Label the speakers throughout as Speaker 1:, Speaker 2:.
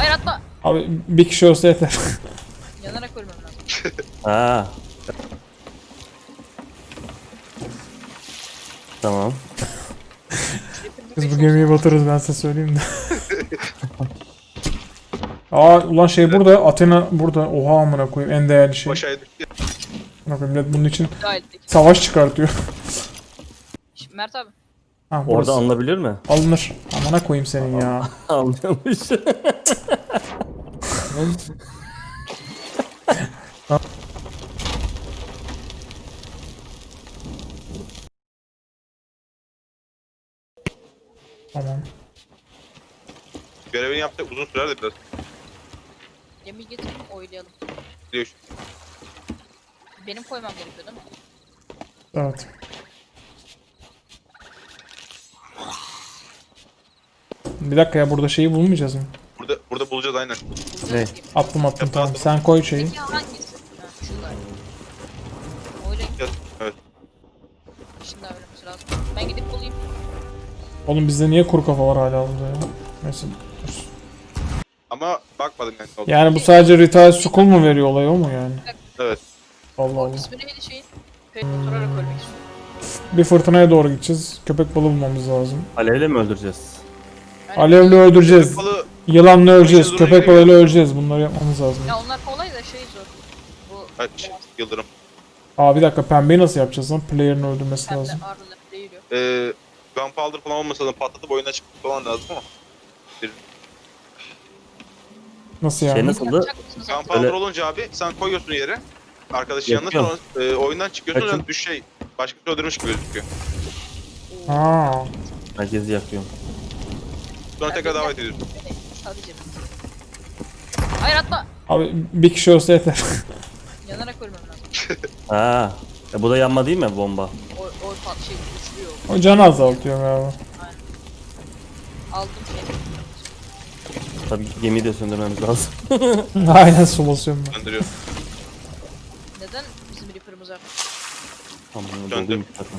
Speaker 1: Hayır atla.
Speaker 2: Abi bir kişi olsa yeter.
Speaker 1: Yanarak ölmem lazım.
Speaker 3: Ha. Tamam.
Speaker 2: Biz bu gemiyi batırırız, ben size söyleyeyim de. Aa ulan şey burada, Athena burada. Oha amına koyayım, en değerli şey.
Speaker 4: Aşağıya düştü.
Speaker 2: Amına koyayım, millet bunun için
Speaker 1: Gayet de.
Speaker 2: savaş çıkartıyor.
Speaker 1: Mert abi.
Speaker 2: Ha,
Speaker 3: Orada
Speaker 2: burası.
Speaker 3: alınabilir mi?
Speaker 2: Alınır. Amına koyayım senin ya.
Speaker 3: Alınıyormuş.
Speaker 2: Tamam.
Speaker 4: Görevini yaptık, uzun sürer de biraz.
Speaker 1: Gemiyi getirin oylayalım.
Speaker 4: Gidiyor şu.
Speaker 1: Benim koymam gerekiyor değil mi?
Speaker 2: Evet. Bir dakika ya, burada şeyi bulmayacağız mı?
Speaker 4: Burada bulacağız aynen.
Speaker 3: Ne?
Speaker 2: Attım
Speaker 4: Yapma,
Speaker 2: tamam.
Speaker 4: attım.
Speaker 2: Sen koy şeyi.
Speaker 1: Peki hangisi? Ha şu galiba. Oylayın.
Speaker 4: Evet.
Speaker 1: Şimdi öğrenmesi lazım. Ben gidip bulayım.
Speaker 2: Oğlum bizde niye kuru kafa var hala burada ya? Neyse. Dur.
Speaker 4: Ama bakmadım yani. Ne oldu.
Speaker 2: Yani bu sadece Retail School mu veriyor, olay o mu yani?
Speaker 4: Evet.
Speaker 2: Allah Allah.
Speaker 1: İsmi neydi şeyin? Pek oturarak ölmek istiyorum.
Speaker 2: Bir fırtınaya doğru gideceğiz. Köpek balığı bulmamız lazım.
Speaker 3: Alevle mi öldüreceğiz?
Speaker 1: Yani
Speaker 2: Alevle öldüreceğiz.
Speaker 4: Balığı
Speaker 2: Yılanla öleceğiz.
Speaker 4: Zoruna
Speaker 2: Köpek
Speaker 4: giriyor.
Speaker 2: balığıyla öleceğiz. Bunları yapmamız lazım.
Speaker 1: Ya onlar kolay da şey zor. Bu
Speaker 4: kaç yıldırım.
Speaker 2: Aa bir dakika, pembeyi nasıl yapacağız lan? Player'ın öldürmesi
Speaker 1: pembe
Speaker 2: lazım.
Speaker 1: arılar değil yok.
Speaker 4: Gunpowder falan olmasa da patlatıp oyuna çıkıp falan lazım ama.
Speaker 2: Nasıl yani?
Speaker 3: Şey nasıldı?
Speaker 1: Yapacak mısınız artık?
Speaker 4: Gunpowder
Speaker 3: Öyle-
Speaker 4: olunca abi sen koyuyorsun yere. Arkadaşın yanına sonra
Speaker 3: Yakıyorum.
Speaker 4: oyundan çıkıyorsun
Speaker 3: Kaçın?
Speaker 4: sonra düş şey. Başkası öldürmüş gibi gözüküyor.
Speaker 2: Aa.
Speaker 3: Herkesi yakıyorum.
Speaker 4: Sonra tekrar davet ediyorsun.
Speaker 1: Sadece. Hayır atla.
Speaker 2: Abi bir kişi olsa yeter.
Speaker 1: Yanarak ölmem lazım.
Speaker 3: Ha. Bu da yanma değil mi bomba?
Speaker 1: O şey uçuruyor.
Speaker 2: O canı azaltıyor galiba.
Speaker 1: Aldım şey.
Speaker 3: Tabii gemiyi de söndürmemiz lazım.
Speaker 2: Aynen, su basıyorum ben.
Speaker 4: Gönderiyor.
Speaker 1: Neden bizim Reaper'ımız var?
Speaker 3: Tamam,
Speaker 4: Döndü.
Speaker 3: doluymuş zaten.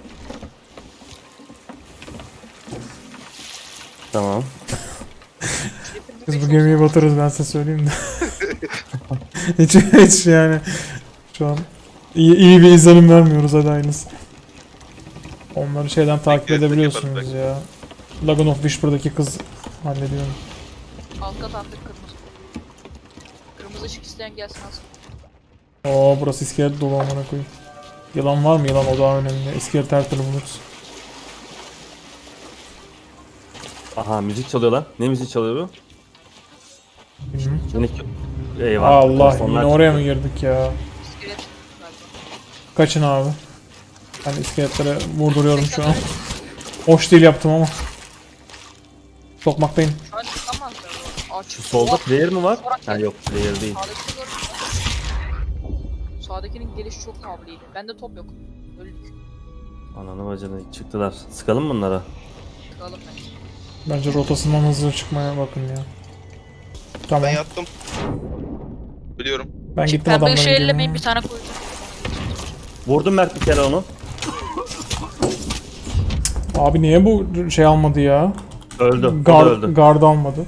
Speaker 3: Tamam.
Speaker 2: Biz bu gemiyi batırırız, ben size söyleyeyim de. hiç yani. Şu an iyi bir izlenim vermiyoruz, hadi aynısı. Onları şeyden takip
Speaker 4: Bekle,
Speaker 2: edebiliyorsunuz
Speaker 4: bekle.
Speaker 2: ya. Lagoon of Whisper'daki kız hallediyor.
Speaker 1: Alt kat artık kırmızı. Kırmızı ışık isteyen gelsin alsın.
Speaker 2: Oo burası iskelet dolu, amına koyayım. Yılan var mı? Yılan o daha önemli. İskelet her türlü buluruz.
Speaker 3: Aha, müzik çalıyor lan. Ne müzik çalıyor bu?
Speaker 2: Bilmiyorum.
Speaker 3: Minik. Eyvah.
Speaker 2: Allah,
Speaker 3: Sonlar
Speaker 2: yine oraya
Speaker 3: çıktı.
Speaker 2: mı girdik ya?
Speaker 1: İskelet galiba.
Speaker 2: Kaçın abi. Ben iskeletlere vurduruyorum şu an. Hoş değil yaptım ama. Sokmaktayım.
Speaker 1: Şu an çıkamazlar bu. Aç.
Speaker 3: Şu solda player mi var? Ha yok, player değil.
Speaker 1: Sağdakini gördün mü? Sağdakinin gelişi çok kavliydi. Bende top yok. Öldük.
Speaker 3: Ananı bacını çıktılar. Sıkalım mı bunlara?
Speaker 1: Tıkalım bence.
Speaker 2: Bence rotasından hızlı çıkmaya bakın ya. Tamam.
Speaker 4: Ben yattım. Biliyorum.
Speaker 2: Ben gittim
Speaker 1: Pembe
Speaker 2: adamların
Speaker 1: ışığı ellemeyin,
Speaker 2: gemine.
Speaker 1: bir tane koyacağım.
Speaker 3: Vurdum Mert bir kere onu.
Speaker 2: Abi niye bu şey almadı ya?
Speaker 3: Öldü. O da öldü.
Speaker 2: Guard almadı.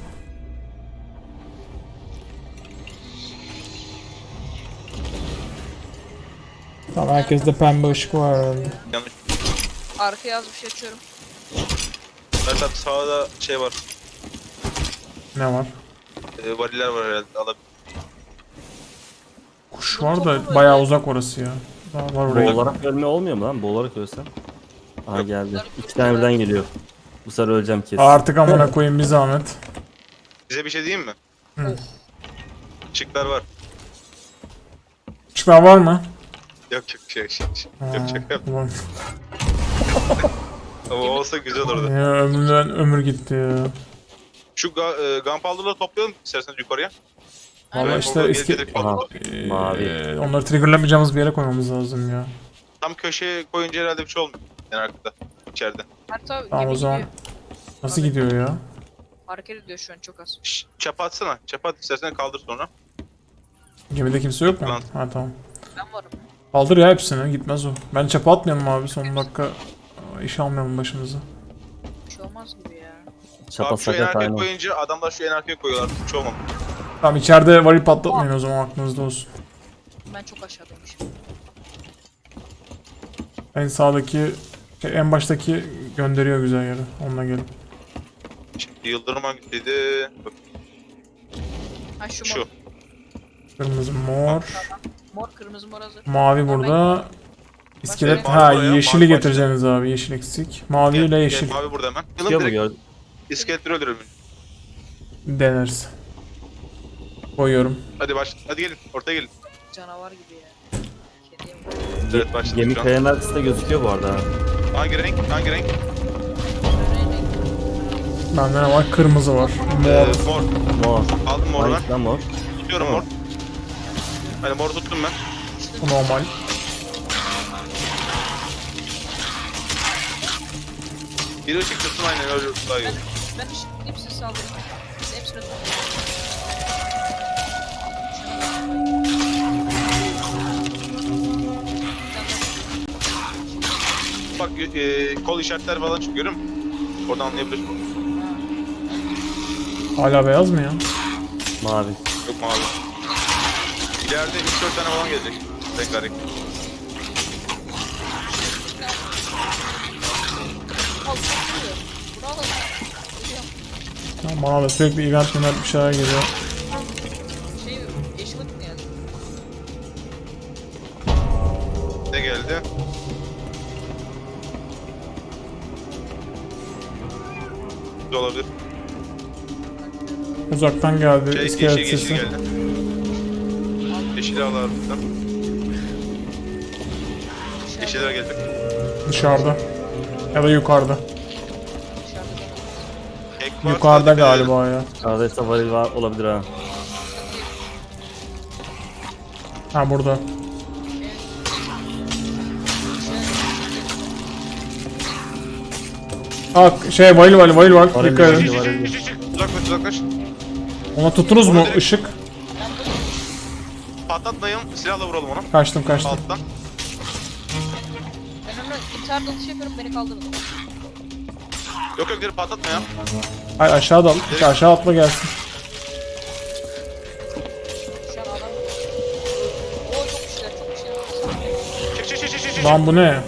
Speaker 2: Tamam, herkeste pembe ışık var herhalde.
Speaker 4: Yanlış.
Speaker 1: Arkaya az bir şey açıyorum.
Speaker 4: Zaten sağda şey var.
Speaker 2: Ne var?
Speaker 4: Variller var herhalde. Alabilir.
Speaker 2: Kuş var da bayağı uzak orası ya. Daha var oraya.
Speaker 3: Boğularak ölme olmuyor mu lan? Boğularak ölsem. Aha geldi. İki tane birden geliyor. Bu sefer öleceğim kesin.
Speaker 2: Artık amına koyayım bir zahmet.
Speaker 4: Size bir şey diyeyim mi?
Speaker 2: Hı.
Speaker 4: Çıklar var.
Speaker 2: Işıklar var mı?
Speaker 4: Yok yok şaka yap.
Speaker 2: Ulan.
Speaker 4: Ama olsa güzel olurdu.
Speaker 2: Ya ömrümden ömür gitti ya.
Speaker 4: Şu gunpowder'ları toplayalım isterseniz yukarıya.
Speaker 2: Valla
Speaker 4: Orada
Speaker 2: işte eski...
Speaker 4: gelecek falan.
Speaker 3: Aha. Mavi.
Speaker 2: Onları triggerlamayacağımız bir yere koymamız lazım ya.
Speaker 4: Tam köşeye koyunca herhalde bir şey olmuyor. En arkada. İçeride.
Speaker 1: Mert abi
Speaker 2: Tamam,
Speaker 1: gemi
Speaker 2: o zaman.
Speaker 1: gidiyor.
Speaker 2: Nasıl gidiyor ya?
Speaker 1: Hareket ediyor şu an çok az.
Speaker 4: Çapa atsana. Çapa at istersen kaldır sonra.
Speaker 2: Gemide kimse yok mu?
Speaker 4: Lan.
Speaker 2: Ha tamam.
Speaker 1: Ben varım.
Speaker 2: Kaldır ya hepsini, gitmez o. Ben çapa atmayalım abi, son dakika iş almayalım başımıza.
Speaker 1: Bir şey olmaz gibi ya.
Speaker 3: Çapa
Speaker 4: Abi şu en
Speaker 3: sakat
Speaker 4: arkaya
Speaker 3: aynı.
Speaker 4: koyunca adamlar şu en arkaya koyuyorlar. Hiç olmam.
Speaker 2: Tamam içeride varil patlatmayın o zaman aklınızda olsun.
Speaker 1: Ben çok aşağıdaymışım.
Speaker 2: En sağdaki, en baştaki gönderiyor güzel yere. Onunla gelin.
Speaker 4: Şimdi Yıldırım hangisiydi? Bak,
Speaker 1: Ha şu
Speaker 4: şu.
Speaker 1: mor.
Speaker 2: Kırmızı, mor,
Speaker 1: Mor kırmızı mor hazır.
Speaker 2: mavi burada. İskelet,
Speaker 1: Başka-
Speaker 2: ha
Speaker 4: Mavi buraya,
Speaker 2: yeşili
Speaker 4: mavi
Speaker 2: getireceğiniz abi, yeşil eksik. Mavi ile yeşil
Speaker 4: Mavi burada hemen.
Speaker 3: Çıkıyor
Speaker 4: Yılın
Speaker 3: mu
Speaker 4: direkt
Speaker 3: gördün?
Speaker 4: iskeletleri öldürelim.
Speaker 2: deneriz. Koyuyorum.
Speaker 4: Hadi gelin. Ortaya gelin.
Speaker 1: Canavar gibi ya. Kediye mi?
Speaker 4: Evet, başladık
Speaker 3: Gemi
Speaker 4: şu an.
Speaker 3: kayanın arkasında gözüküyor bu arada.
Speaker 4: Hangi renk? Hangi renk?
Speaker 2: Bende ne var? Kırmızı var. Mor.
Speaker 4: Mor.
Speaker 3: Mor.
Speaker 4: Aldım moru ben.
Speaker 3: Hangisi lan mor?
Speaker 4: Tutuyorum mor. Hani mor tuttum ben.
Speaker 2: Bu normal.
Speaker 4: Bir ışık tutsun aynen öyle daha iyi olur.
Speaker 1: Ben ışıklayıp siz saldırın. Biz hepsini
Speaker 4: Bak kol işaretler falan çıkıyor görüyor musun? Oradan anlayabilirsin.
Speaker 2: Hala beyaz mı ya?
Speaker 3: Mavi.
Speaker 4: Yok mavi. İleride 3-4 tane falan gelecek. Rengarenk.
Speaker 2: Ya bana da sürekli event bir şeyler geliyor.
Speaker 1: şey yeşil ışık mı yani?
Speaker 4: Ne geldi? Bu da olabilir.
Speaker 2: Uzaktan geldi
Speaker 4: Yeşil
Speaker 2: iskelet
Speaker 4: yeşil
Speaker 2: sesi.
Speaker 4: geldi. Yeşili al buradan. Yeşiller gelecek.
Speaker 2: Dışarıda. Ya da yukarıda.
Speaker 1: Dışarıda da.
Speaker 4: Ek var,
Speaker 2: Yukarıda
Speaker 4: dikkat edelim.
Speaker 2: galiba ya.
Speaker 3: Kahve varil var olabilir ha.
Speaker 2: Ha burada. Aa şey varil var.
Speaker 3: Varil,
Speaker 2: Dikkat
Speaker 3: varil.
Speaker 2: edin.
Speaker 4: Çık. Uzaklaş.
Speaker 2: Ona tuttunuz mu?
Speaker 4: Onu direkt-
Speaker 2: Işık.
Speaker 4: Patlatmayın. Silahla vuralım onu.
Speaker 2: Kaçtım.
Speaker 4: Alttan.
Speaker 1: Ben onu intihar dalışı yapıyorum beni kaldırın.
Speaker 4: Yok direkt patlatma ya.
Speaker 2: Hayır aşağı dal. Aşağı atla gelsin.
Speaker 1: Şu an adam. Oo çok güçler çok güçler.
Speaker 4: Çık.
Speaker 2: Lan bu ne?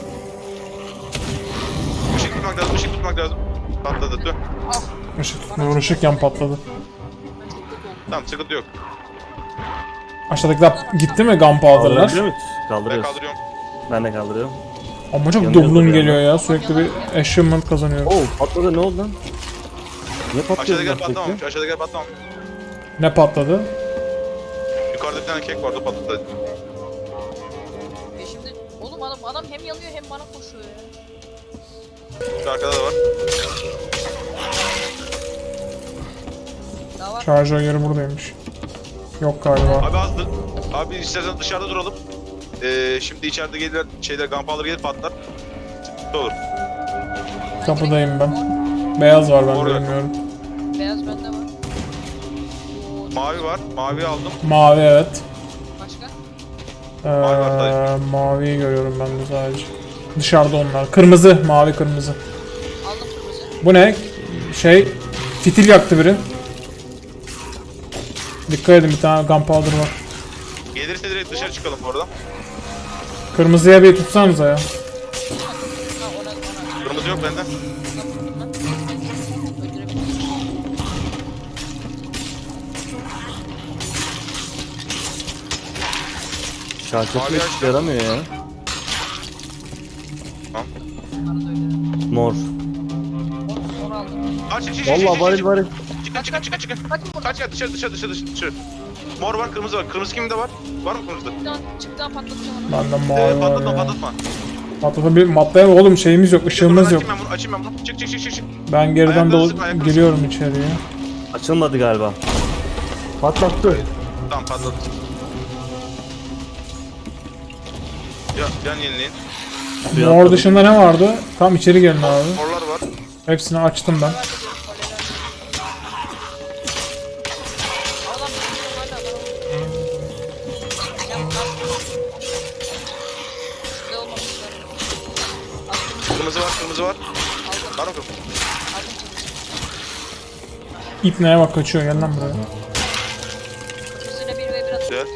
Speaker 4: Işık tutmak lazım. Patladı. Dur.
Speaker 1: Ah
Speaker 2: Işık yan patladı.
Speaker 1: ben çok kötü oldum.
Speaker 4: Tamam sıkıntı yok.
Speaker 2: Aşağıdakiler gitti mi gunpowder'lar?
Speaker 3: Kaldırabiliyor muyuz?
Speaker 4: Ben
Speaker 3: Kaldırıyoruz.
Speaker 4: kaldırıyorum.
Speaker 3: Ben de kaldırıyorum.
Speaker 2: Ama çok
Speaker 3: Yanıyordur
Speaker 2: dublun
Speaker 3: yani.
Speaker 2: geliyor ya. Sürekli bir achievement kazanıyorum.
Speaker 3: Oo patladı ne oldu lan? Niye patlıyor
Speaker 4: Aşağıdakiler
Speaker 3: bunlar sürekli?
Speaker 4: patlamamış. Aşağıdakiler patlamamış.
Speaker 2: Ne patladı?
Speaker 4: Yukarıda bir tane kek vardı patladı.
Speaker 1: Şimdi oğlum adam hem yanıyor hem bana koşuyor ya.
Speaker 4: Şu arkada da var.
Speaker 1: Daha var.
Speaker 2: Şarjör yeri buradaymış. Yok galiba.
Speaker 4: Abi azdı. Abi istersen dışarıda duralım. Şimdi içeride gelirler şeyler gunpowder gelir patlar. Sıkıntı olur.
Speaker 2: Kapıdayım ben. Beyaz var ben
Speaker 4: Orada.
Speaker 2: bilmiyorum.
Speaker 1: Beyaz bende var. Oo,
Speaker 4: Mavi var. Mavi aldım.
Speaker 2: Mavi evet.
Speaker 1: başka?
Speaker 4: Mavi var sadece.
Speaker 2: Maviyi görüyorum ben de sadece. Dışarıda onlar. Kırmızı, mavi kırmızı.
Speaker 1: Aldım kırmızı.
Speaker 2: Bu ne? Şey, fitil yaktı biri. Dikkat edin bir tane gunpowder var.
Speaker 4: Gelirse direkt dışarı çıkalım bu arada.
Speaker 2: Kırmızıya bir tutsanıza ya.
Speaker 1: Ha ona.
Speaker 4: Kırmızı yok bende.
Speaker 1: Öldürebilirim.
Speaker 3: Şarkı
Speaker 4: Mavi
Speaker 3: hiç
Speaker 4: açtı.
Speaker 3: yaramıyor ya.
Speaker 4: Tamam.
Speaker 1: Onları da öldürebilirim.
Speaker 3: Mor.
Speaker 1: Mor aldım.
Speaker 4: Çık.
Speaker 3: Vallahi varil varil.
Speaker 4: Çıkın.
Speaker 1: Kaçın buradan.
Speaker 4: Kaç dışarı. Mor var, kırmızı var. Kırmızı kimde var? Var mı kırmızı?
Speaker 1: Çıktan patlatacağım onu.
Speaker 2: Bende mavi var ya.
Speaker 4: Patlatma.
Speaker 2: Patlatabilir matlayam oğlum şeyimiz yok, ışığımız yok.
Speaker 4: Açayım ben bunu. Çık.
Speaker 2: Ben geriden
Speaker 4: Ayakları sık, ayakları
Speaker 2: giriyorum içeriye.
Speaker 3: Açılmadı galiba. Patlattı.
Speaker 4: Tamam patladı. Ya can yenileyin.
Speaker 3: Suya
Speaker 2: Mor
Speaker 3: atladı.
Speaker 2: dışında ne vardı? Tam içeri gelin abi.
Speaker 4: Morlar var.
Speaker 2: Hepsini açtım ben.
Speaker 1: Adam hala Şurada olmamışlar.
Speaker 4: Kırmızı var. Var mı kırmızı?
Speaker 2: İpneye bak kaçıyor, gel lan buraya.
Speaker 1: Kırmızıyla 1v1 atıyor.
Speaker 4: Güzel.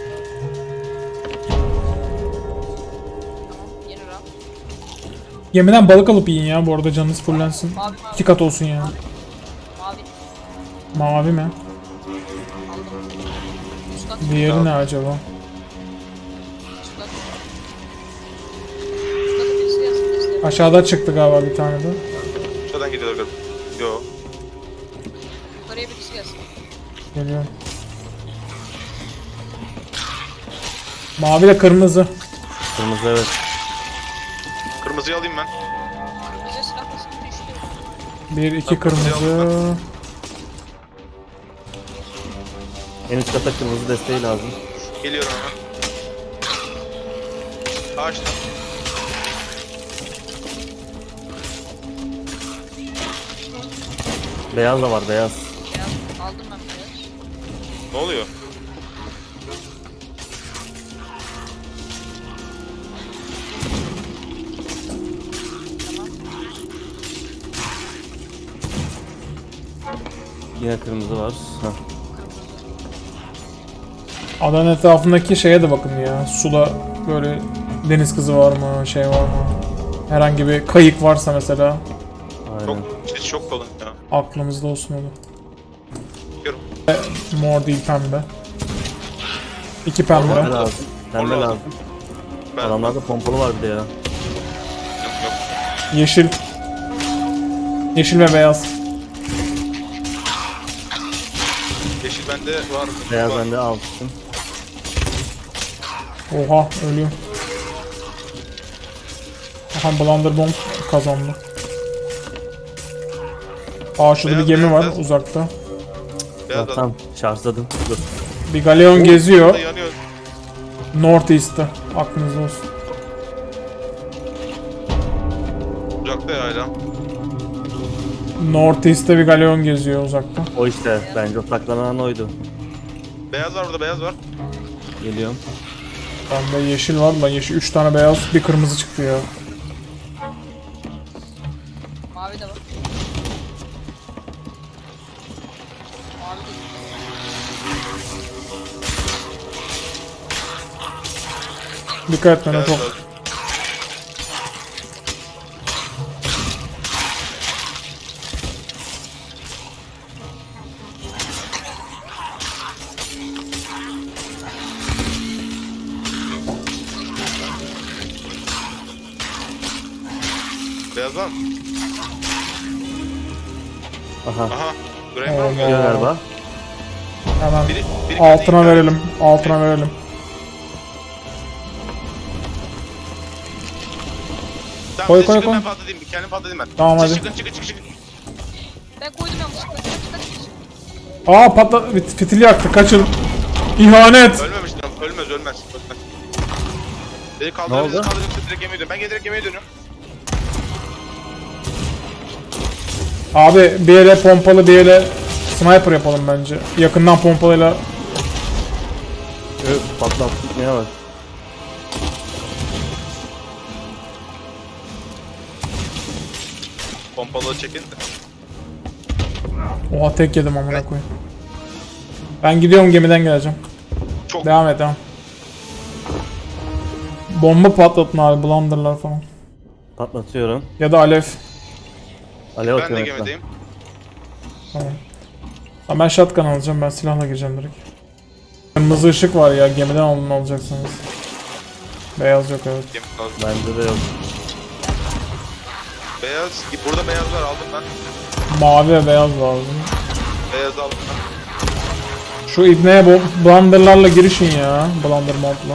Speaker 1: Tamam. Yeni round.
Speaker 2: Gemiden balık alıp yiyin ya, bu arada canınız fullensin.
Speaker 1: Mavi
Speaker 2: 2 kat olsun yani.
Speaker 1: Mavi.
Speaker 2: Mavi mi?
Speaker 1: Aldım. Üst kat.
Speaker 2: Diğeri ne acaba?
Speaker 1: Üst kat. Üst katı birisi gelsin desteğe.
Speaker 2: Aşağıda çıktı galiba bir tane de.
Speaker 4: Şuradan gidiyorlar galiba. Yo.
Speaker 1: Yukarıya birisi gelsin.
Speaker 2: Geliyorum. Mavi ile kırmızı.
Speaker 3: Kırmızı evet.
Speaker 4: Kırmızıyı alayım ben.
Speaker 1: Kırmızıya silah nasıl düştü?
Speaker 2: 1 2
Speaker 4: Bak, kırmızıyı
Speaker 2: kırmızı.
Speaker 3: En üst kata kırmızı desteği lazım.
Speaker 4: Geliyorum hemen. Ağaçta.
Speaker 3: Beyaz da var beyaz.
Speaker 1: Beyaz. Aldım ben beyaz.
Speaker 4: Ne oluyor?
Speaker 1: Tamam.
Speaker 3: Yine kırmızı var. Heh.
Speaker 2: Adanın etrafındaki şeye de bakın ya. Suda böyle deniz kızı var mı, şey var mı? Herhangi bir kayık varsa mesela
Speaker 3: Aynen.
Speaker 4: Çok kalın ya.
Speaker 2: aklımızda olsun o da.
Speaker 4: Bakıyorum.
Speaker 2: Mor değil, pembe. 2
Speaker 3: Pembe
Speaker 2: pembe.
Speaker 3: lazım. Pembe
Speaker 4: Orada.
Speaker 3: lazım.
Speaker 4: Ben
Speaker 3: Adamlarda pompalı var bir de ya.
Speaker 4: yok yok.
Speaker 2: Yeşil. Yeşil ve beyaz.
Speaker 4: Yeşil bende var.
Speaker 3: Beyaz
Speaker 4: var.
Speaker 3: bende almıştım.
Speaker 2: Oha, ölüyor. Aha, Blunderbomb kazandı. Aa, şurada bir
Speaker 4: Beyaz,
Speaker 2: gemi var
Speaker 4: beyaz.
Speaker 2: uzakta.
Speaker 4: Beyaz adam.
Speaker 3: Tamam şarjladım. Dur.
Speaker 2: Bir galeon geziyor.
Speaker 4: Yanıyor.
Speaker 2: Northeast'te. Aklınızda olsun.
Speaker 4: Uzakta ya hala.
Speaker 2: Northeast'te bir galeon geziyor uzakta.
Speaker 3: O işte bence o saklanan oydu.
Speaker 4: Beyaz var burada, beyaz var.
Speaker 3: Geliyorum.
Speaker 2: Bende yeşil var da yeşil 3 tane beyaz, bir kırmızı çıktı ya.
Speaker 1: Mavi de var. Mavi de
Speaker 2: Dikkat etmene
Speaker 4: Beyaz
Speaker 2: çok.
Speaker 4: var. Beyaz var mı?
Speaker 3: Aha.
Speaker 4: Aha. Granger mı?
Speaker 3: Geliyor galiba.
Speaker 2: Hemen
Speaker 4: Biri
Speaker 2: altına
Speaker 4: kendi-
Speaker 2: verelim. Altına verelim.
Speaker 4: Tamam,
Speaker 2: Koy,
Speaker 4: siz
Speaker 2: koy,
Speaker 4: çıkın,
Speaker 2: koy.
Speaker 4: ben patlatayım. Kendim patlatayım ben.
Speaker 2: Tamam,
Speaker 4: Siz
Speaker 2: hadi.
Speaker 4: Çıkın çıkın çıkın çıkın.
Speaker 1: Ben koydum yanlışlıkla. Kaç.
Speaker 2: Aa, fitil yaktı, kaçın. İhanet.
Speaker 4: Ölmemiş lan. Ölmez. Ölmez. Beni
Speaker 3: Ne
Speaker 4: kaldırabiliriz.
Speaker 3: oldu?
Speaker 4: Kaldırıp direkt gemiye dönüyorum. Ben direkt gemiye dönüyorum.
Speaker 2: Abi bir ele pompalı, bir ele sniper yapalım bence. Yakından pompalıyla.
Speaker 3: Patlattık neye bak.
Speaker 4: Pompalı çekin de.
Speaker 2: Oha, tek yedim amına koyayım. Ben gidiyorum, gemiden geleceğim.
Speaker 4: Çok.
Speaker 2: Devam et, devam. Bomba patlatın abi, blunderlar falan.
Speaker 3: Patlatıyorum.
Speaker 2: Ya da alev.
Speaker 3: Alev
Speaker 4: Ben de
Speaker 3: atıyorum.
Speaker 4: gemideyim.
Speaker 2: Tamam. Tamam, ben shotgun alacağım, ben silahla gireceğim direkt. Kırmızı ışık var ya, gemiden alın alacaksınız. Beyaz yok, evet.
Speaker 4: Gemi lazım.
Speaker 3: Bende de yok.
Speaker 4: Beyaz. Burada beyaz var. Aldım ben.
Speaker 2: Mavi ve beyaz lazım.
Speaker 4: Beyaz aldım ben.
Speaker 2: Şu ibneye blunderlarla girişin ya, blunder modla.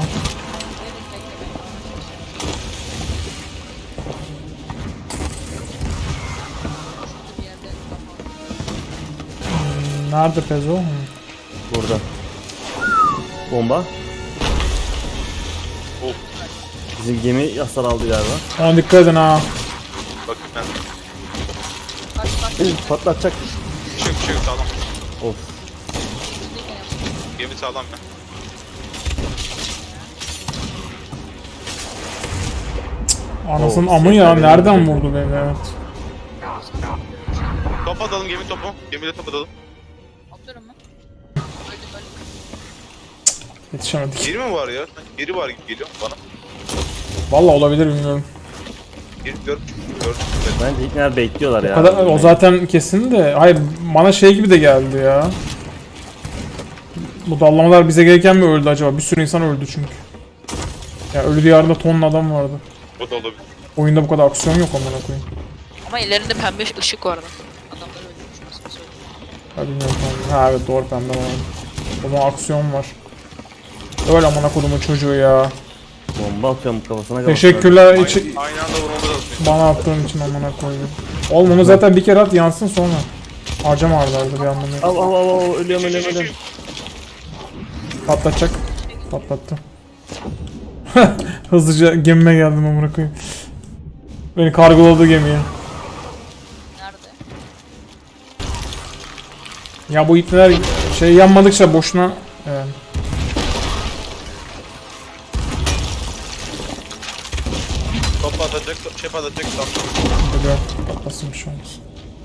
Speaker 1: Bir yerde.
Speaker 2: Nerede Pezo? Hı.
Speaker 3: Burada. Bomba.
Speaker 4: Of.
Speaker 3: Bizim gemi hasar aldı galiba.
Speaker 2: Ona dikkat edin ha.
Speaker 4: Bakın ben.
Speaker 1: Kaç.
Speaker 3: Patlatacak.
Speaker 4: Bir şey yok sağlam.
Speaker 3: Of.
Speaker 4: Gemi sağlam ya.
Speaker 2: Anasının
Speaker 3: Oo,
Speaker 2: amı ya,
Speaker 3: sesler
Speaker 2: nereden
Speaker 3: geliyor.
Speaker 2: vurdu beni, evet.
Speaker 4: Top atalım, gemi topu. Gemiyle top atalım.
Speaker 2: Yetişemedik.
Speaker 4: Biri mi var ya? Sanki biri var gibi geliyor bana.
Speaker 2: Vallahi olabilir bilmiyorum.
Speaker 4: Biri gördüm.
Speaker 3: Bence ilk bekliyorlar ya.
Speaker 2: O zaten kesin de. Hayır bana şey gibi de geldi ya. Bu dallamalar bize gelirken mi öldü acaba? Bir sürü insan öldü çünkü. Ya ölü diyarında tonla adam vardı.
Speaker 4: O da olabilir.
Speaker 2: Oyunda bu kadar aksiyon yok amına koyayım.
Speaker 1: Ama ellerinde pembe ışık vardı. Adamlar öldürmüş nasıl söyleyeyim.
Speaker 2: Ha bilmiyorum tamam. Ha evet doğru pembe var. O zaman aksiyon var. Öyle amına kodumun çocuğu ya.
Speaker 3: Bomba atıyorum kafasına.
Speaker 2: Teşekkürler
Speaker 4: Aynı,
Speaker 2: için
Speaker 4: aynı anda vurmamız lazım.
Speaker 2: bana attığın için amına koydum. Oğlum onu zaten bir kere at yansın sonra. Harcama ardarda bir anlamı yok.
Speaker 3: Al ölüyorum.
Speaker 2: Patlatacak. Patlattı. Hızlıca gemime geldim amına koyayım. Beni kargoladı gemiye.
Speaker 1: Nerede?
Speaker 2: Ya bu ipneler şey yanmadıkça boşuna yani.
Speaker 4: Top atacak, şey atacak. Tamam.
Speaker 2: Böyle patlasın bir şey olmaz.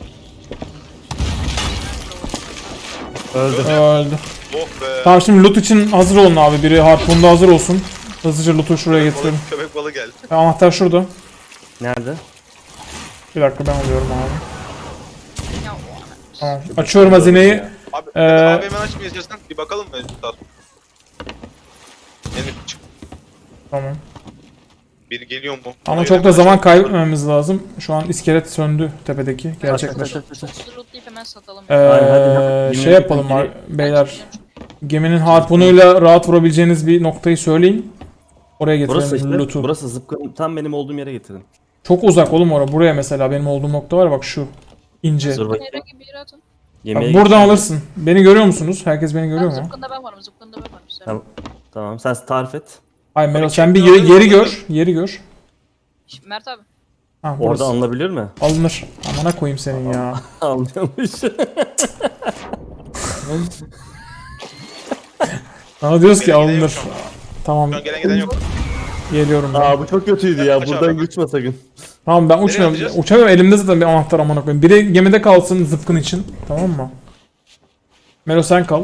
Speaker 2: Öldü.
Speaker 4: Oh be.
Speaker 2: Tamam şimdi loot için hazır olun abi. Biri harpunda hazır olsun. Hızlıca loot'u şuraya getirelim.
Speaker 4: Köpek balığı geldi.
Speaker 2: Anahtar şurada.
Speaker 3: Nerede?
Speaker 2: Bir dakika ben alıyorum abi.
Speaker 1: Ya o ana.
Speaker 2: Tamam. Açıyorum hazineyi.
Speaker 4: Abi,
Speaker 2: Ee,
Speaker 4: abi hemen açmayı istiyorsan bir bakalım mı? Tat. Yeni çık.
Speaker 2: Tamam.
Speaker 4: Biri geliyor mu?
Speaker 2: Ama
Speaker 4: Hayır,
Speaker 2: çok da
Speaker 4: hemen
Speaker 2: zaman
Speaker 4: açalım.
Speaker 2: kaybetmememiz lazım. Şu an iskelet söndü tepedeki. Gerçekler.
Speaker 1: Çok lootlayıp hemen satalım.
Speaker 3: Hadi.
Speaker 2: Şey yapalım
Speaker 3: Yemin-
Speaker 2: beyler. Geminin harpunuyla rahat vurabileceğiniz bir noktayı söyleyin. Oraya
Speaker 3: Burası
Speaker 2: getirelim
Speaker 3: işte.
Speaker 2: loot'u.
Speaker 3: Burası zıpkın. Tam benim olduğum yere getirin.
Speaker 2: Çok uzak oğlum oraya. Buraya mesela benim olduğum nokta var ya bak şu. İnce.
Speaker 3: Dur bakayım.
Speaker 1: Herhangi bir yere atın.
Speaker 2: Bak,
Speaker 3: Yemeğe
Speaker 2: buradan
Speaker 3: gideceğim.
Speaker 2: alırsın. Beni görüyor musunuz? Herkes beni görüyor mu?
Speaker 1: Zıpkında ben varım. Zıpkında ben varım. Sen.
Speaker 3: Tamam. Tamam sen tarif et.
Speaker 2: Hayır Melo
Speaker 4: Abi,
Speaker 2: sen bir
Speaker 4: çekmiyor,
Speaker 2: yeri
Speaker 4: alıyor,
Speaker 2: gör. Yeri gör.
Speaker 1: Mert abi.
Speaker 2: Ha,
Speaker 3: Orada
Speaker 2: burası.
Speaker 3: alınabilir mi?
Speaker 2: Alınır. Amına koyayım senin ya.
Speaker 3: Alınıyormuş.
Speaker 2: Bana diyoruz ki
Speaker 4: Gelen giden yok
Speaker 2: alınır.
Speaker 4: şu an.
Speaker 2: Tamam
Speaker 4: Şu an gelen giden yok.
Speaker 2: geliyorum ben.
Speaker 3: Aa bu çok kötüydü ya.
Speaker 4: Aç
Speaker 3: Buradan
Speaker 4: abi.
Speaker 3: uçma sakın.
Speaker 2: Tamam ben uçmuyorum.
Speaker 4: atacağız?
Speaker 2: Uçamıyorum elimde zaten bir anahtar amına koyayım. Biri gemide kalsın zıpkın için. Tamam mı? Melo sen kal.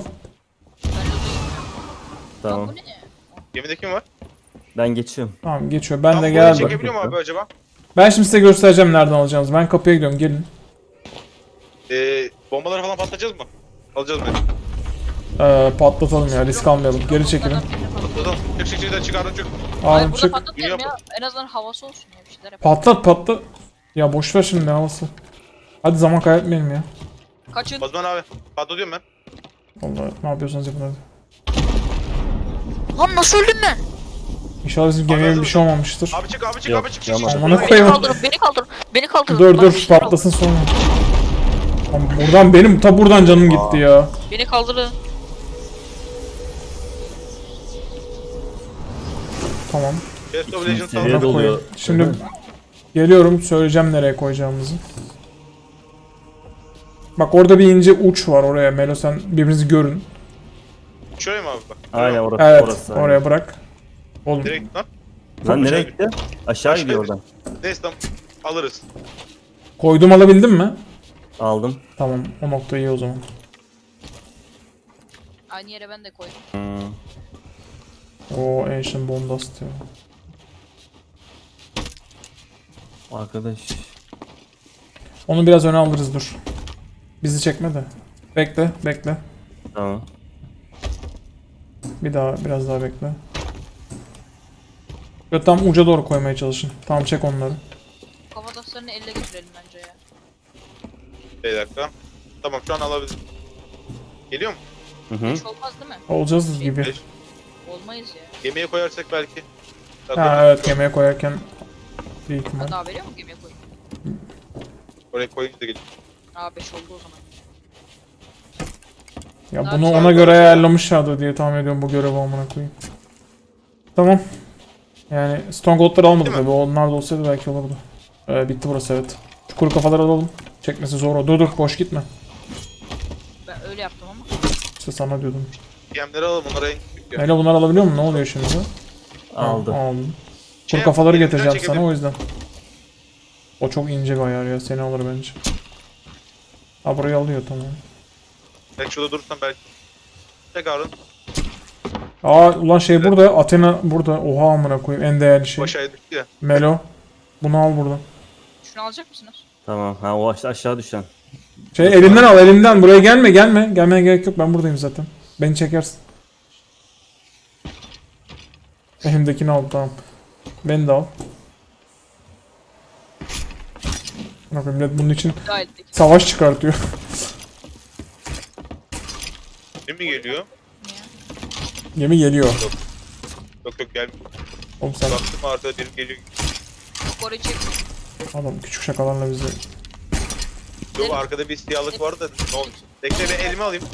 Speaker 3: Tamam.
Speaker 1: Bu ne?
Speaker 4: Gemide kim var?
Speaker 3: Ben geçiyorum.
Speaker 2: Tamam geçiyor. Ben
Speaker 4: Tam
Speaker 2: de
Speaker 4: burayı
Speaker 2: gel.
Speaker 4: çekebiliyor mu abi acaba?
Speaker 2: Ben şimdi size göstereceğim nereden alacağınızı. Ben kapıya gidiyorum gelin.
Speaker 4: Bombaları falan patlatacağız mı? Alacağız mı?
Speaker 2: Patlatalım ya risk almayalım. Geri çekilin.
Speaker 4: Patlatalım. Çık çıkardım çık.
Speaker 1: Hayır
Speaker 2: Ağrım
Speaker 1: burada
Speaker 2: çık.
Speaker 1: patlatmayalım
Speaker 4: Dünya
Speaker 1: ya. En azından havası olsun ya bir şeyler yap.
Speaker 2: Patlat. Ya boş ver şimdi ne havası. Hadi zaman kaybetmeyelim ya.
Speaker 1: Kaçın.
Speaker 4: Osman abi patlatıyorum ben.
Speaker 2: Vallahi ne yapıyorsanız yapın hadi.
Speaker 1: Lan nasıl öldün ben?
Speaker 2: İnşallah bizim gemiye bir şey olmamıştır.
Speaker 4: Abi çık abi çık
Speaker 3: Yok,
Speaker 4: abi çık.
Speaker 3: yaman.
Speaker 2: Amına
Speaker 1: Beni
Speaker 2: koyayım.
Speaker 1: kaldırın, beni kaldırın, beni kaldırın.
Speaker 2: Dur
Speaker 1: Bak,
Speaker 2: dur
Speaker 1: bir şeyler
Speaker 2: patlasın sonra. Tamam, buradan canım gitti ya.
Speaker 1: oldu. Beni kaldırın.
Speaker 2: Tamam.
Speaker 4: Best of Legends
Speaker 3: Seviye
Speaker 4: aldım.
Speaker 3: doluyor.
Speaker 2: Koyayım. Şimdi geliyorum söyleyeceğim nereye koyacağımızı. Bak orada bir ince uç var oraya. Melo sen birbirinizi görün.
Speaker 4: Şuraya mı abi bak?
Speaker 3: Aynen orası.
Speaker 2: Evet
Speaker 3: orası,
Speaker 2: oraya bırak. Oğlum
Speaker 4: Direkt lan.
Speaker 3: Lan nereye
Speaker 4: Aşağı
Speaker 3: gitti? Aşağı gidiyor oradan.
Speaker 4: Neyse tamam. Alırız.
Speaker 2: koydum alabildin mi?
Speaker 3: Aldım.
Speaker 2: Tamam o nokta iyi o zaman.
Speaker 1: Aynı yere ben de koydum.
Speaker 2: O Ancient Bondast ya.
Speaker 3: Arkadaş.
Speaker 2: Onu biraz öne alırız dur. Bizi çekme de. Bekle.
Speaker 3: Tamam.
Speaker 2: Biraz daha bekle. Ve tam uca doğru koymaya çalışın. Tamam çek onları.
Speaker 1: Kafataslarını elle getirelim bence ya.
Speaker 4: Bir dakika. Tamam şu an alabiliriz. Geliyor mu?
Speaker 3: Hı hı.
Speaker 1: Hiç olmaz değil mi?
Speaker 2: Olacağız gibi.
Speaker 4: Beş.
Speaker 1: Olmayız ya.
Speaker 4: Gemiye koyarsak belki.
Speaker 2: Ha evet yemeğe koyarken bir ihtimal.
Speaker 1: Daha veriyor mu gemiye koyayım?
Speaker 4: Oraya koyunca da gelir.
Speaker 1: Aa 5 oldu o zaman.
Speaker 2: Ya
Speaker 1: Daha
Speaker 2: bunu
Speaker 1: bir
Speaker 2: ona göre ayarlamışlardı diye tahmin ediyorum bu görevi amına koyayım. Tamam. Yani Stronghold'ları almadık
Speaker 4: Değil mi?
Speaker 2: tabi. Onlar da olsaydı belki olurdu. Bitti burası evet. Şu kuru kafaları alalım. Çekmesi zor o. Dur boş gitme.
Speaker 1: Ben öyle yaptım ama.
Speaker 2: İşte sana diyordum.
Speaker 4: Gemleri alalım onlara en küçük ya.
Speaker 2: Hele bunları alabiliyor musun? Ne oluyor şimdi?
Speaker 3: Aldı.
Speaker 2: Ha, aldım.
Speaker 4: Şey
Speaker 2: Kuru kafaları
Speaker 4: yap,
Speaker 2: getireceğim
Speaker 4: elinden
Speaker 2: sana o yüzden. O çok ince bir ayar ya. Seni alır bence. Ha burayı alıyor tamam.
Speaker 4: Belki şurada durursan belki. Çek Harun.
Speaker 2: Aa ulan şey burada. Athena burada. Oha amına koyayım. En değerli şey.
Speaker 4: Aşağıya düştü ya.
Speaker 2: Melo. Bunu al buradan.
Speaker 1: Şunu alacak mısınız?
Speaker 3: Tamam. Ha o aşağı düşen.
Speaker 2: Şey elimden al elimden. Buraya gelme gelme. Gelmeye gerek yok. Ben buradayım zaten. Beni çekersin. Elimdekini al tamam. Beni de al. Bakın millet bunun için
Speaker 1: Gayet de.
Speaker 2: savaş çıkartıyor.
Speaker 4: Kim mi geliyor?
Speaker 1: Niye?
Speaker 2: Gemi geliyor.
Speaker 4: Yok yok gelmiyor.
Speaker 2: Oğlum sen
Speaker 4: Baktım arkada biri geliyor.
Speaker 1: Yok orayı çekme.
Speaker 2: adam küçük şakalarla bizi.
Speaker 4: Yok arkada bir siyahlık vardı da ne oldu? Bekle ben elime alayım.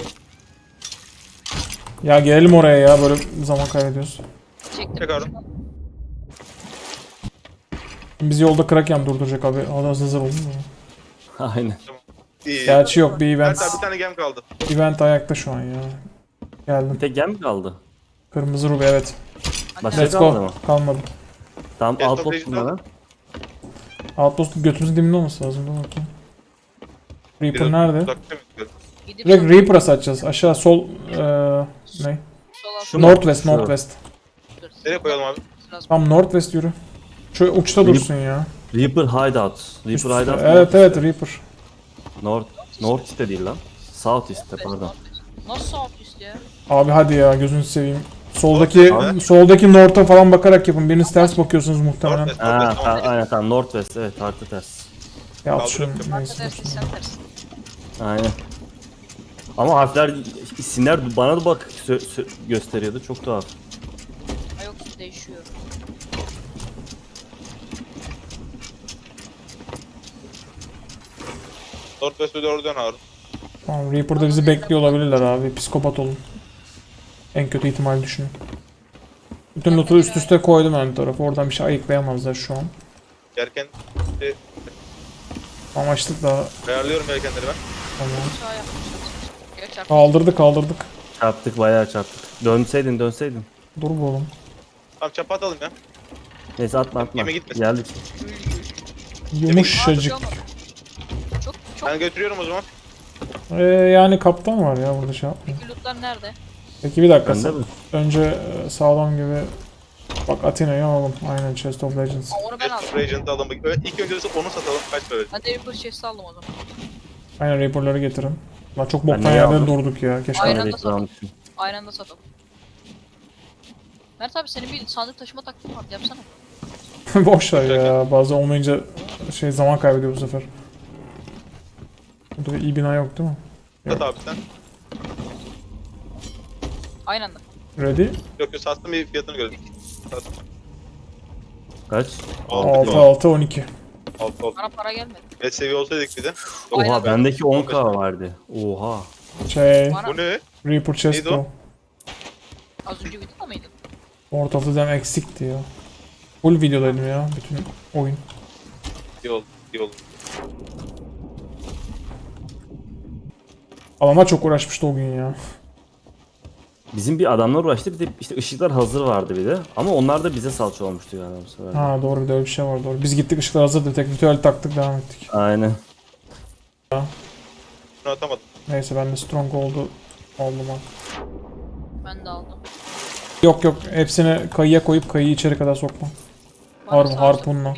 Speaker 2: Ya gelelim oraya ya böyle zaman kaybediyoruz.
Speaker 1: Çektim.
Speaker 4: Çek abi.
Speaker 2: Bizi yolda Kraken durduracak abi. Hadi hazır olun mu?
Speaker 3: Aynen.
Speaker 4: İyi.
Speaker 2: Gerçi yok bir event.
Speaker 4: Hatta bir tane gem kaldı.
Speaker 2: Event ayakta şu an ya. Geldim.
Speaker 3: Bir tek gem mi kaldı?
Speaker 2: Kırmızı rubi evet.
Speaker 3: Başka
Speaker 2: Let's
Speaker 3: kalmadı
Speaker 2: go.
Speaker 3: mı?
Speaker 2: Kalmadı.
Speaker 3: Tamam
Speaker 4: Yes,
Speaker 3: outpost
Speaker 4: toplayıcı
Speaker 3: bunlara.
Speaker 2: Outpost götümüzün dibinde olması lazım. Dur bakayım. Reaper nerede?
Speaker 4: Uzakta mı gidiyor?
Speaker 1: Gidip
Speaker 2: Direkt Reaper'a satacağız. Aşağı sol ne?
Speaker 1: sol alt.
Speaker 3: Şu mu?
Speaker 2: Northwest,
Speaker 3: Şu.
Speaker 2: Northwest.
Speaker 4: Nereye koyalım abi?
Speaker 2: Tam Northwest yürü. Şu uçta dursun ya.
Speaker 3: Reaper Hideout. Reaper Hideout.
Speaker 2: Evet evet Reaper.
Speaker 3: North East'te değil lan. South East'te pardon.
Speaker 1: Nasıl sağ üst ya?
Speaker 2: Abi hadi ya gözünü seveyim. Soldaki North'a falan bakarak yapın. Biriniz ters bakıyorsunuz muhtemelen.
Speaker 4: Northwest,
Speaker 3: Ha,
Speaker 4: Northwest,
Speaker 3: ha,
Speaker 4: tamam.
Speaker 3: aynen tamam Northwest evet harita ters.
Speaker 2: Ya at şunu.
Speaker 4: Kaldırıyorum.
Speaker 2: Neyse.
Speaker 1: Arkadaşlar sen tersin.
Speaker 3: Aynen. Ama harfler, isimler bana da bak gösteriyordu çok tuhaf.
Speaker 1: Ha yok değişiyor.
Speaker 4: Northwest'e doğru dön abi.
Speaker 2: Tamam Reaper'da bizi bekliyor olabilirler abi. Psikopat olun. En kötü ihtimal düşünün. Bütün loot'u üst üste koydum ön tarafa. Oradan bir şey ayıklayamazlar şu an.
Speaker 4: Yerken
Speaker 2: Amaçlık daha
Speaker 4: ayarlıyorum yelkenleri ben.
Speaker 2: tamam.
Speaker 1: Sağ yapmışlar. Geç artık.
Speaker 2: Kaldırdık.
Speaker 3: Çarptık bayağı çarptık. Dönseydin.
Speaker 2: Dur bu oğlum.
Speaker 4: Tamam çapa atalım ya.
Speaker 3: Neyse atma.
Speaker 4: Gemi gitmesin.
Speaker 3: Geldik.
Speaker 2: Yumuşacık.
Speaker 1: Çok
Speaker 4: Ben götürüyorum o zaman.
Speaker 2: Yani kaptan var ya burada şey yapmayın.
Speaker 1: peki lootlar nerede?
Speaker 2: Peki bir dakika.
Speaker 3: Bende mi?
Speaker 2: Önce sağlam gibi. Bak Athena'yı alalım. Aynen Chest of Legends.
Speaker 1: Aa, onu ben aldım.
Speaker 4: Regent'ı alalım. İlk önce onu satalım. Kaç para verecek?
Speaker 1: Ben de Reaper chest'i aldım o zaman.
Speaker 2: Aynen Reaper'ları getirin. Lan çok boktan
Speaker 3: neyi
Speaker 2: yerde
Speaker 3: aldım?
Speaker 2: durduk ya. Keşke.
Speaker 1: Aynen.
Speaker 3: Ben
Speaker 1: de
Speaker 3: de
Speaker 1: satalım.
Speaker 3: almışım.
Speaker 1: Aynı anda satalım. Mert abi senin bir sandık taşıma taktiğin var. Yapsana.
Speaker 2: Boş ver ya. Bazı olmayınca şey zaman kaybediyor bu sefer. Burada bir iyi bina yok değil mi?
Speaker 4: Sat abi sen.
Speaker 1: Aynı anda.
Speaker 2: Ready?
Speaker 4: Yok yok sattım bir fiyatını görelim. Sattım.
Speaker 3: Kaç?
Speaker 2: 6 6 12.
Speaker 4: 6 oldu.
Speaker 1: Bana para gelmedi.
Speaker 4: Et seviye olsaydık bir de.
Speaker 1: Aynen.
Speaker 3: Oha bendeki 10k vardı. Oha.
Speaker 2: Şey,
Speaker 1: Bana
Speaker 4: Bu ne?
Speaker 2: Reaper chest
Speaker 4: Neydi o?
Speaker 2: o.
Speaker 1: az önce videoda mıydın?
Speaker 2: Ortalıktan eksikti ya. Full videodaydım ya bütün oyun.
Speaker 4: İyi oldu. İyi oldu.
Speaker 2: Adamlar çok uğraşmıştı o gün ya.
Speaker 3: Bizim bir adamlar uğraştı bir de işte ışıklar hazır vardı bir de. Ama onlar da bize salça olmuştu yani bu sefer.
Speaker 2: Ha doğru bir de öyle bir şey var doğru. Biz gittik ışıklar hazırdı. Tek ritüel taktık devam ettik.
Speaker 3: Aynen.
Speaker 4: Şunu atamadım.
Speaker 2: Neyse ben de Stronghold'u aldım ha.
Speaker 1: Ben de aldım.
Speaker 2: Yok yok hepsini kayıya koyup kayıyı içeri kadar sokma.
Speaker 1: Bana sağ
Speaker 2: Harpunla.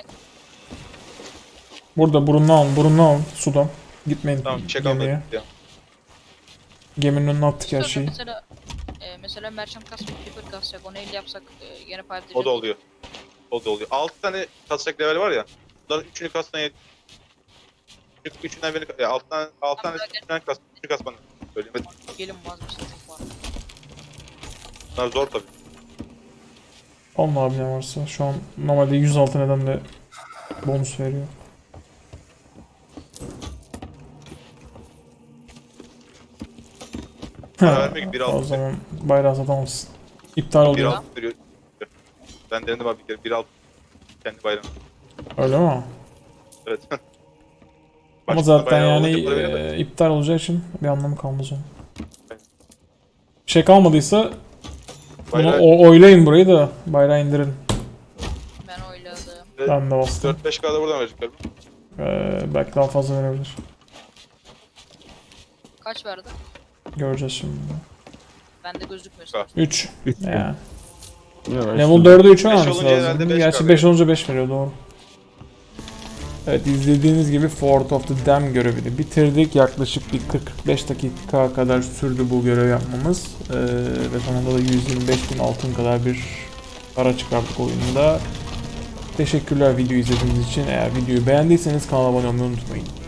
Speaker 2: Burada burunlu alın sudan. Gitmeyin
Speaker 4: Tamam çek
Speaker 2: gemiye.
Speaker 4: almadık ya.
Speaker 2: Geminin önüne attık her
Speaker 1: Sonra
Speaker 2: şeyi.
Speaker 1: mesela merchant kasmak, Reaper kasacak. Onu elle yapsak gene paylaşacak.
Speaker 4: O da oluyor. O da oluyor. 6 tane kasacak level var ya. Bunların 3'ünü kastan yet. 3'ünden beni ya 6 tane 6 tane 3'ünden kas. 3'ünü kasman. Söylemedim.
Speaker 1: Gelin vazgeçtim çok var.
Speaker 4: Bunlar zor tabii.
Speaker 2: Alın abi ne varsa. Şu an normalde 106 nedenle bonus veriyor.
Speaker 4: Para vermek 1.6
Speaker 2: O zaman bayrağı satamazsın. İptal oluyor.
Speaker 4: 1.6 veriyor. Ben denedim abi bir kere 1.6 kendi bayrağım.
Speaker 2: Öyle mi?
Speaker 4: Evet.
Speaker 2: Ama
Speaker 4: Başka
Speaker 2: zaten
Speaker 4: bayrağı
Speaker 2: yani
Speaker 4: olunca para veriyor da.
Speaker 2: iptal olacağı için bir anlamı kalmaz onun. Bir şey kalmadıysa bunu
Speaker 4: Bayrağı
Speaker 2: oylayın burayı da bayrağı indirin.
Speaker 1: Ben oyladım.
Speaker 2: Ben de bastım.
Speaker 4: 4-5K'da buradan verecekler.
Speaker 2: Belki daha fazla verebilir.
Speaker 1: Kaç verdi?
Speaker 2: Göreceğiz şimdi.
Speaker 1: Bende gözükmüyor.
Speaker 4: Bak.
Speaker 2: 3.
Speaker 3: 3 mü?
Speaker 2: Ya.
Speaker 3: Bilmiyorum,
Speaker 2: Level
Speaker 3: üstünde.
Speaker 2: 4'e 3
Speaker 4: Beş
Speaker 2: olması
Speaker 4: olunca herhalde
Speaker 2: lazım.
Speaker 4: beş
Speaker 2: Gerçi
Speaker 4: kalıyor.
Speaker 2: 5 olunca 5 veriyor doğru. Evet, izlediğiniz gibi Fort of the Dam görevini bitirdik. Yaklaşık bir 40-45 dakika kadar sürdü bu görev yapmamız. Ve sonunda da 125.000 altın kadar bir para çıkarttık oyunda. Teşekkürler video izlediğiniz için. Eğer videoyu beğendiyseniz kanala abone olmayı unutmayın.